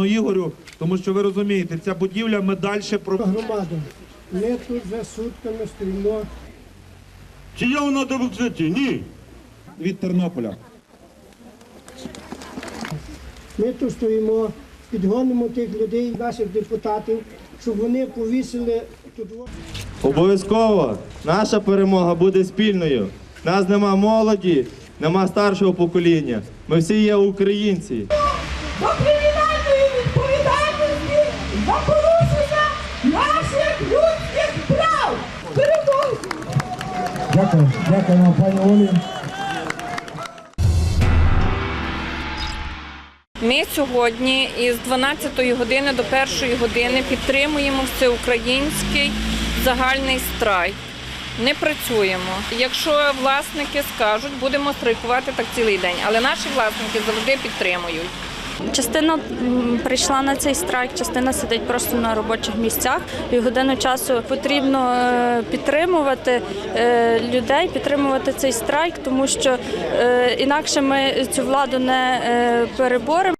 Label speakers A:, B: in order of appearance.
A: Ігорю, тому що ви розумієте, ця будівля ми далі
B: Громаду. Ми тут вже сутками стоїмо.
C: Чи є вона демократія? Ні.
A: від Тернополя.
B: Ми тут стоїмо, підгонимо тих людей, наших депутатів, щоб вони повісили тут.
D: Обов'язково наша перемога буде спільною. Нас нема молоді, нема старшого покоління. Ми всі є українці.
E: До кримінальної відповідальності за порушення наших людських прав. Перемогу!
F: Дякуємо, пані Олі.
G: Ми сьогодні із 12 години до 1 години підтримуємо всеукраїнський загальний страйк. Не працюємо. Якщо власники скажуть, будемо страйкувати так цілий день. Але наші власники завжди підтримують.
H: Частина прийшла на цей страйк, частина сидить просто на робочих місцях. І годину часу потрібно підтримувати людей, підтримувати цей страйк, тому що інакше ми цю владу не переборемо.